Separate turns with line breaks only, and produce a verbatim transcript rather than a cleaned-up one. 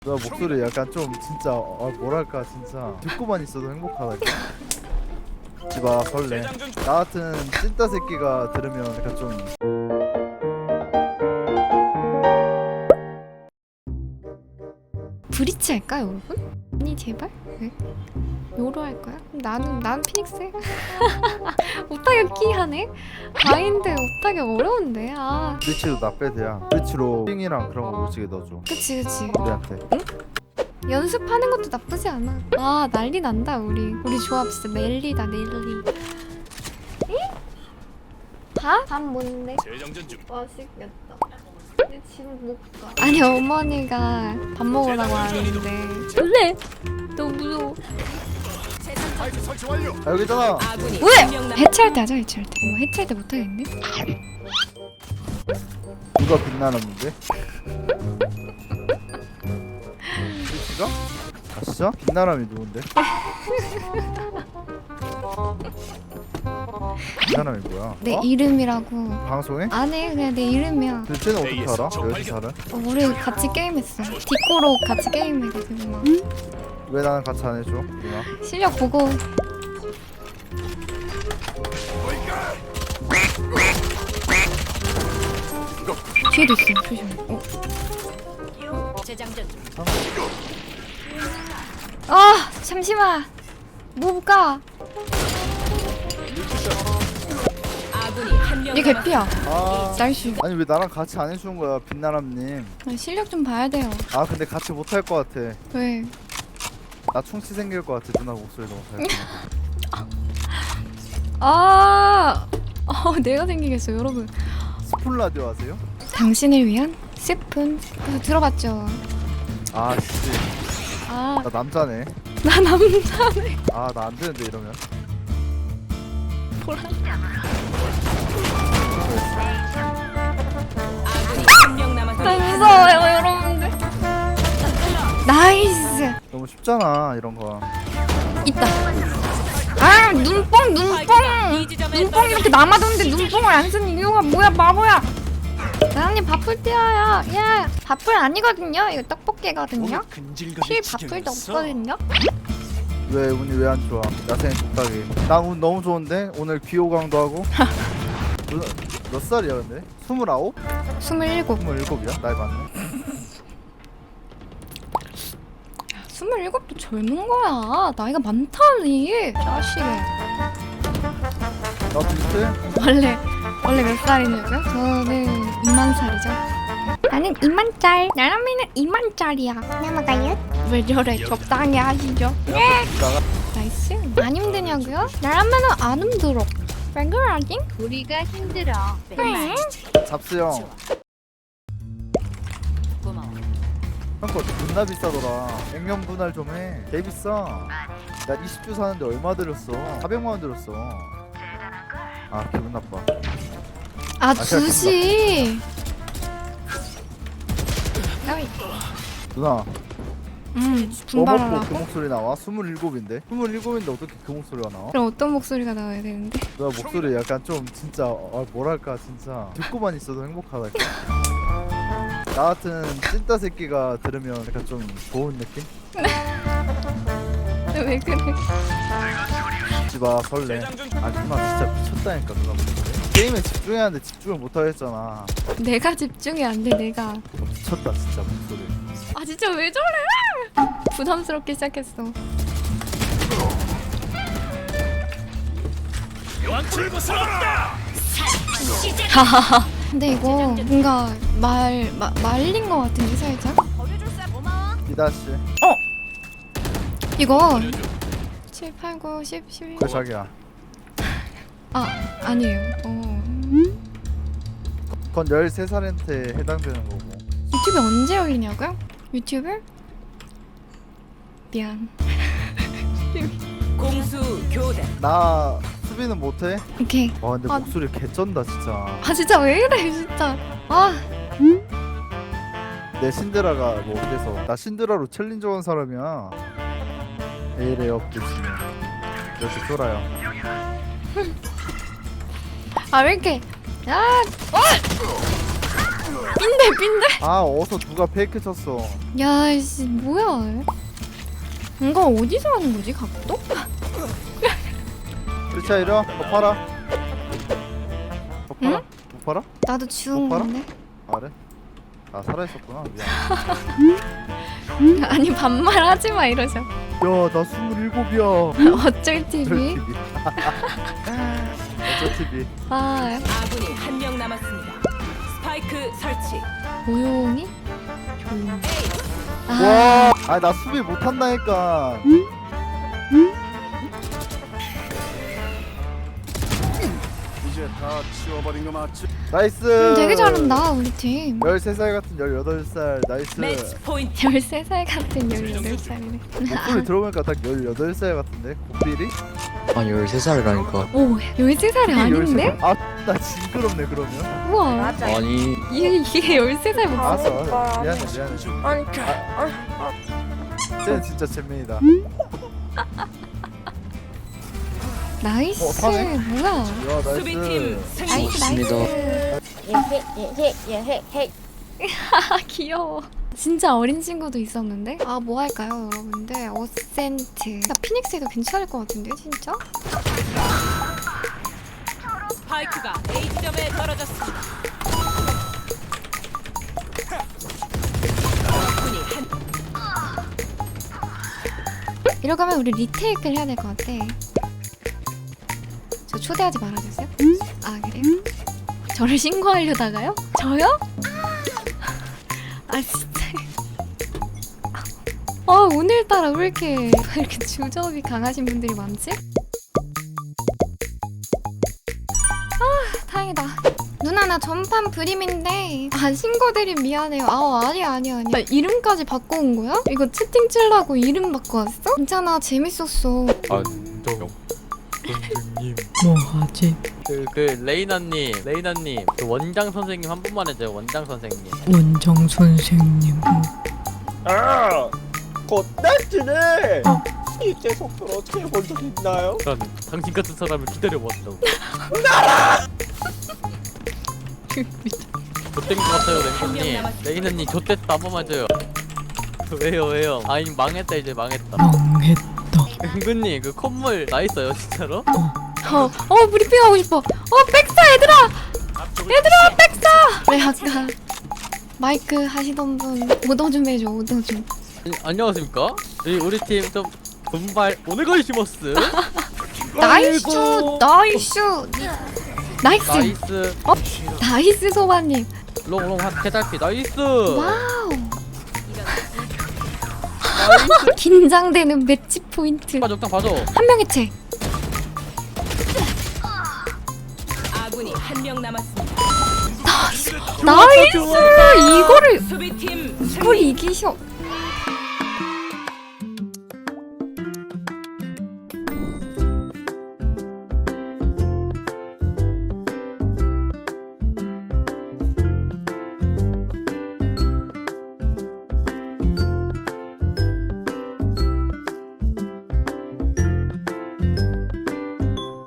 나 목소리 약간 좀 진짜 어, 뭐랄까 진짜 듣고만 있어도 행복하다. 지마 설레. 나 같은 찐따 새끼가 들으면 약간 좀
브리치 할까 여러분? 아니 제발? 왜? 요로 할 거야? 나는 난 피닉스. 오타가 끼하네. 마인드 오타가 어려운데. 아.
브리치도 나빼드야. 브리치로 핑이랑 그런 거 오지게 넣어줘.
그치 그치.
우리한테.
연습하는 것도 나쁘지 않아. 아 난리 난다 우리. 우리 조합 진짜 넬리다 넬리. 응? 밥? 밥 뭔데?
재정전 중.
맛있겠다. 근데 지금 못 가. 아니 어머니가 밥 먹으라고 하는데. 원래 너무 무서워.
파이프 설치 완료.
아 여기 있잖아.
왜? 해체할 때 하자 해체할 때. 어 해체할 때 못하겠네.
누가 빛나는데? 브리치가? 아 진짜? 빛나람이 누군데? 빛나람이 뭐야?
내
어?
이름이라고.
방송에?
안 해 그냥 내 이름이야.
근데 쟤는 어떻게 알아? 왜 이렇게 알아?
어, 우리 같이 게임했어. 디코로 같이 게임해가지고 막
왜 나는 같이 안 해줘? 누나?
실력 보고. 뒤에도 있어. 조심해. 어.
재장전 중.
아 잠시만. 뭐가?
아군이 한명
얘 개피야.
아
나이스.
아니 왜 나랑 같이 안 해주는 거야 빛나람님.
실력 좀 봐야 돼요.
아 근데 같이 못 할 것 같아.
왜?
나 충치 생길 것 같아. 누나 목소리 너무 잘.
아, 어, 내가 생기겠어 여러분.
스폰 라디오 아세요?
당신을 위한 스푼. 그거 들어봤죠?
아 씨.
아,
나 남자네.
나 남자네.
아 나 안 되는데 이러면.
아군이 한명
나
남았습니다.
무서워요 여러분들. 나이스.
너무 쉽잖아 이런 거.
있다. 아 눈뽕 눈뽕 눈뽕 이렇게 남아도는데 눈뽕을 안 쓰는 이유가 뭐야 바보야. 나은님 바쁠 때야. 예 바쁠 아니거든요. 이거 떡볶이거든요. 실 바쁠도 없거든요.
왜 운이 왜 안 좋아? 야생의 독박이. 나운 너무 좋은데 오늘 귀호강도 하고. 누나 몇 살이야 근데? 스물아홉?
스물일곱.
스물일곱이야? 나이 맞네.
스물일곱도 젊은 거야. 나이가 많다니. 자식이.
나 비슷해?
원래 원래 몇 살이냐고요? 저는 이만 살이죠. 나는 이만 짤. 나라미는 이만 짤이야. 넘어가요? 왜 저래? 적당히 하시죠. 네.
나가.
나이스. 안 힘드냐고요? 나라면은 안 힘들어. 왜 그러지?
우리가 힘들어.
응.
잡스 형.
고마워.
형거 존나 비싸더라. 액면 분할 좀 해. 개 비싸. 나 이십 주 사는데 얼마 들였어? 사백만 원 들였어. 아 기분 나빠.
아 두시. 어이.
누나
음
뭐 먹고 그
분발하라고?
목소리 나와? 스물일곱인데? 스물일곱인데 어떻게 그 목소리가 나와?
그럼 어떤 목소리가 나와야 되는데?
누나 목소리 약간 좀 진짜 아, 뭐랄까 진짜 듣고만 있어도 행복하다. 나 같은 찐따 새끼가 들으면 약간 좀 좋은 느낌?
왜 그래?
지마 설레. 아 누나 진짜 미쳤다니까 누나 목소리. 게임에 집중해야 하는데 집중을 못하겠잖아.
내가 집중이 안 돼. 내가.
너 미쳤다 진짜 목소리.
아 진짜 왜 저래? 부담스럽게 시작했어.
왕출구 살았다.
하하하. 근데 이거 뭔가 말 마, 말린 거 같은데 살짝.
기다씨.
이거 칠, 팔, 구, 십, 십일.
그 자기야.
아 아니에요. 어.
그건 열세 살한테 해당되는 거고.
유튜브 언제 열리냐고요? 유튜브? 미안.
공수 교대.
나 수비는 못해?
오케이.
와 근데
아.
목소리 개쩐다 진짜.
아 진짜 왜 이래 진짜. 아
내 신데라가 뭐 어때서? 나 신데라로 챌린저 한 사람이야. 에이레 업데이트. 이렇게 쫄아요.
아 왜 이렇게 아 어! 빈대 빈대.
아 어서 누가 페이크 쳤어.
야씨 뭐야? 이거 어디서 하는 거지 각도?
그렇지 이러. 더 팔아. 더 팔아?
응?
못 팔아?
나도 주운
못 팔아?
건데.
아, 그래? 아 살아있었구나. 미안.
아니 반말하지 마 이러죠.
야나 스물일곱이야.
어쩔 티비.
어쩔 티비.
아
아군이 한 명 남았습니다. 스파이크 설치.
조용히. 조용히.
에이.
아
와, 아 나 수비 못한다니까.
이제 다 치워버린 거 맞지?
나이스.
음, 되게 잘한다 우리 팀.
열세 살 같은 열여덟 살. 나이스.
매치 포인트.
열세 살 같은 열여덟 살이네.
목소리 들어보니까 딱 열여덟 살 같은데. 고삐리?
아 열세 살이라니까.
오 열세 살이 아닌데?
아, 나 징그럽네 그러면.
우와.
아니
이게 이게 열세 살 목소리.
알았어, 알았어. 미안해, 미안해.
아니,
쟤는 진짜 잼민이다.
나이스.
어, 사네?
뭐야?
야,
수비팀
나이스.
승리.
나이스
좋습니다.
나이스. 아 귀여워. 진짜 어린 친구도 있었는데? 아 뭐 할까요 여러분들? 어센트. 나 피닉스에도 괜찮을 것 같은데 진짜?
스파이크가 A 지점에 떨어졌습니다. 아군이 한
이러고 하면 우리 리테이크를 해야 될 것 같아. 저 초대하지 말아주세요. 아 그래요? 저를 신고하려다가요? 저요? 아 진짜. 아 오늘따라 왜 이렇게 왜 이렇게 주접이 강하신 분들이 많지? 아 다행이다. 누나 나 전판 브림인데 아 신고드림 미안해요. 아 아니야 아니야 아니야. 나 이름까지 바꿔온 거야? 이거 채팅 칠라고 이름 바꿔 왔어? 괜찮아 재밌었어.
안정 선생님 뭐하지? 그, 그 레이나님 레이나님 그 원장 선생님 한 번만 해줘요. 원장 선생님.
원장 선생님.
아, 곧날지네. 이제 속도로 어떻게 본 적 있나요?
난 당신 같은 사람을 기다려왔다고. 좆된 것 같아요 랭크님. 레이나님 좆됐다 한 번만 해줘요. 왜요 왜요? 아니 망했다 이제 망했다.
망했다.
은근님 그 콧물 나 있어요 진짜로?
어, 어 브리핑 하고 싶어. 어 백사 얘들아. 얘들아 백사. 왜 아까 마이크 하시던 분 오더 좀 해줘 오더 좀.
아니, 안녕하십니까? 우리, 우리 팀 좀 분발 오늘 걸시모스
나이스 나이스 나이스
나이스
어? 나이스 소바님.
롱롱 한 개달피 나이스
와우. 긴장되는 매치 포인트.
봐줘 딱 봐줘.
한 명의 채.
아군이 한 명 남았습니다.
나이스 이거를
수비팀
이걸
승리.
이기셔.